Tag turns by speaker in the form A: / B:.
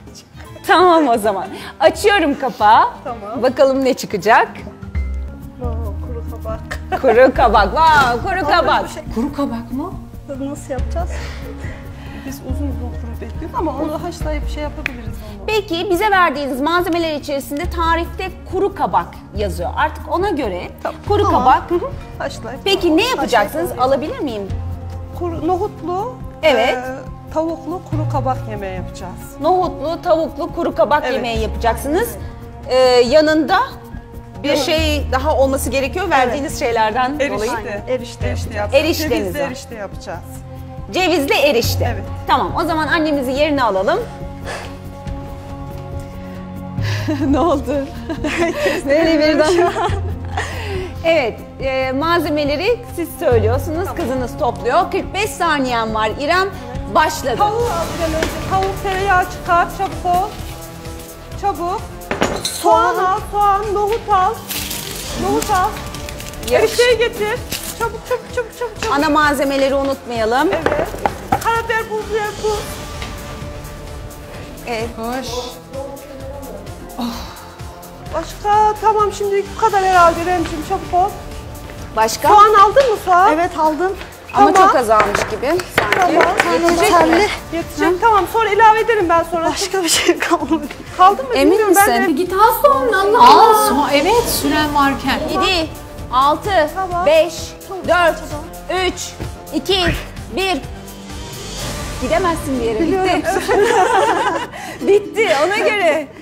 A: Tamam o zaman. Açıyorum kapağı.
B: Tamam.
A: Bakalım ne çıkacak.
B: Kuru kabak.
A: Kuru kabak. Vav, kuru kabak.
C: Kuru kabak mı?
B: Nasıl yapacağız? Biz uzun kuru bekliyoruz ama onu haşlayıp şey yapabiliriz onu.
A: Peki bize verdiğiniz malzemeler içerisinde tarifte kuru kabak yazıyor. Artık ona göre kuru kabak.
B: Haşlayıp.
A: Peki ne yapacaksınız? Alabilir miyim?
B: Nohutlu.
A: Evet.
B: Tavuklu kuru kabak yemeği yapacağız.
A: Nohutlu, tavuklu, kuru kabak
B: Evet.
A: yemeği yapacaksınız. Yanında bir şey daha olması gerekiyor verdiğiniz şeylerden dolayı.
B: Erişte yapacağız.
A: Erişteniz
B: Cevizli
A: var.
B: erişte yapacağız.
A: Cevizli erişte.
B: Evet.
A: Tamam, o zaman annemizi yerine alalım. Ne oldu? Böyle birden. Evet, malzemeleri siz söylüyorsunuz, kızınız topluyor. 45 saniyen var İrem, başladı.
B: Tavuğu al bir an önce. Tavuk tereyağı çıkar, çabuk ol. Çabuk. Soğan al, nohut al. Nohut al. Erişteyi getir. Çabuk.
A: Ana malzemeleri unutmayalım.
B: Evet. Karabiber, pul biber, tuz.
A: Evet.
C: Hoş.
B: Başka, tamam şimdi bu kadar herhalde Remciğim, çabuk ol.
A: Başka?
B: Soğan aldın mı soğan?
D: Evet aldım.
A: Ama
B: Tamam.
A: çok azalmış gibi.
B: Tamam.
D: Yeterli.
B: Yetecek, tamam sonra ilave ederim ben sonra.
D: Başka bir şey kalmadı.
B: Kaldı mı
A: Emin
B: bilmiyorum ben
A: misin?
B: de.
C: Git al soğanını Allah Allah. Evet süren varken.
A: 7, 6,
B: Tamam.
A: 5, 4, 3, 2, 1. Gidemezsin bir yere. Bitti. Bitti ona göre.